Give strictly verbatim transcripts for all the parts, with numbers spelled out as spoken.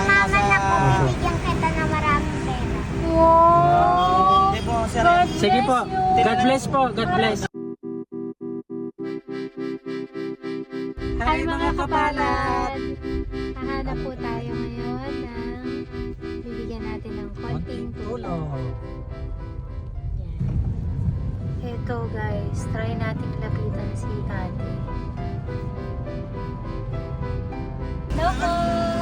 Mamaman nasa... ako, bibigyan kita na maraming pera. Wow! Hindi po, sir. God Sige po. bless you. God bless po. God bless. Hi mga kapalad! Hahanap po tayo ngayon ng bibigyan natin ng konting tulong. Yan. Ito guys, try natin lapitan si ate. Hello po!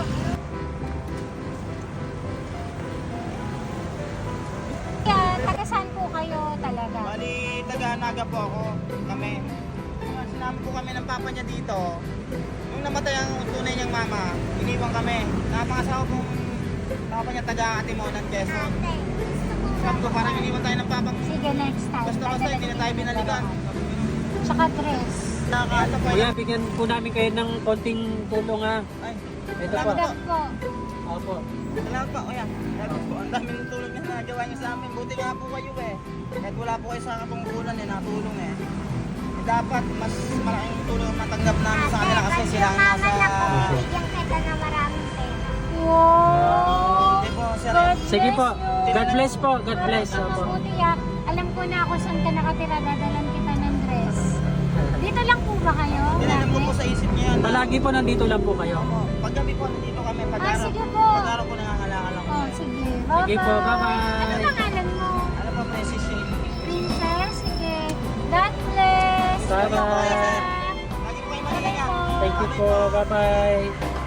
Yan, taga saan po kayo talaga? Bali, taga-Naga po ako. Kami. Sinama po kami ng papa niya dito. Nung namatay ang tunay niyang mama, iniwan kami. Napangasawa pong papa niya taga-Atimonan, Quezon. Ate, gusto ko Sabi ko, parang iniwan tayo ng papa. Sige, next time. Basta-basta, hindi na tayo binalikan. Tsaka dress. Nakakata po Kuya, yan. bigyan po namin kayo ng konting tulong ha. Ay, Ito salamat po. po. Dress po. Opo. Salamat po, kuya. Salamat po. Ang daming tulong niya na nagawa niyo sa amin. Buti nga po kayo eh. Kahit wala po kayo sa katungkulan eh, natulong eh. Eh, dapat mas malaking tulong ang matanggap namin sa kanila kasi sila ang nasa... mamaman ako, bibigyan kita na maraming pera. Wow! Hindi po, sir. God Sige po. bless you. God bless po. God bless. Ang Opo. mabuti ah. Alam ko na ako saan ka nakatira. Dadalan kita ng dress. Dito lang po ba kayo? Tinanim ko Lagi? po sa isip niya yan. Palagi po nandito lang po kayo. Opo. Paggabi po, nandito kami. Pag Ah, araw, sige po. pag araw po nangangalakal ako. Oh, sige. Bye-bye. Sige po, bye-bye. Ano pangalan mo? Ano po, Princess Shane? Princess? Sige. God bless. Bye-bye. Kuya. Lagi po kayo magaling ah. Thank you po. Bye-bye.